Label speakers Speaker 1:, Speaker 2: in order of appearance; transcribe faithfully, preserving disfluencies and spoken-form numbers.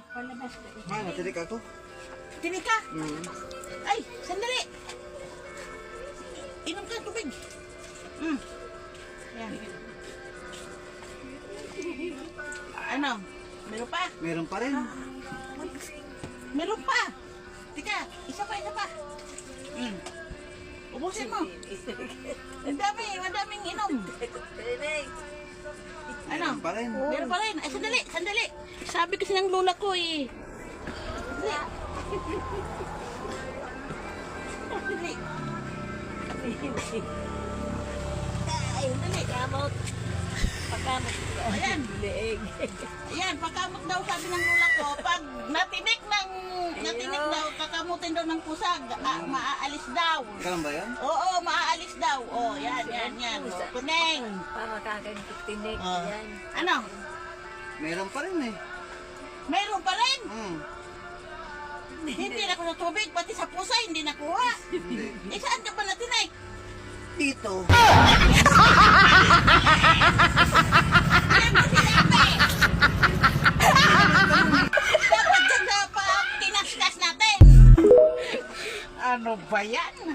Speaker 1: Palabas ka.
Speaker 2: Ha, natilik ako.
Speaker 1: Tinig ka?
Speaker 2: Hmm.
Speaker 1: Ay, sandali. Inom ka ng tubig. Mm. Yan. Ano? Meron pa?
Speaker 2: Meron pa rin.
Speaker 1: Meron pa. Tika, isa pa, isa pa. Mm. Ubusin mo. Ang dami, madaming inom. Ano?
Speaker 2: Meron pa rin.
Speaker 1: Meron pa rin. Ay, sandali, sandali. Sabi kasi ng lola ko eh. Sandali. Sandali. Ay, sandali.
Speaker 3: Kamot. Pagkamot.
Speaker 1: Ayan.
Speaker 3: Leeg.
Speaker 1: Ayan, pagkamot daw sabi ng lola ko, pag natinik ng, natinik daw, kakamutin daw ng pusag, ah, maaalis daw.
Speaker 2: Ganun ba yan?
Speaker 1: Oo, maaalis daw. Oh, yan, yan, yan. Oh, kuneng.
Speaker 3: Para kakagtinig.
Speaker 1: Oh.
Speaker 3: Yan.
Speaker 1: Ano?
Speaker 2: Meron pa rin eh.
Speaker 1: Mayroon pa rin.
Speaker 2: Hmm.
Speaker 1: Hindi na ko sa tubig, pati sa pusa, hindi nakuha.
Speaker 2: Hindi.
Speaker 1: Eh, saan ka ba natinik?
Speaker 2: Dito.
Speaker 1: Yan mo sinabi. Dapat dyan na pa tinaskas natin. Ano ba yan?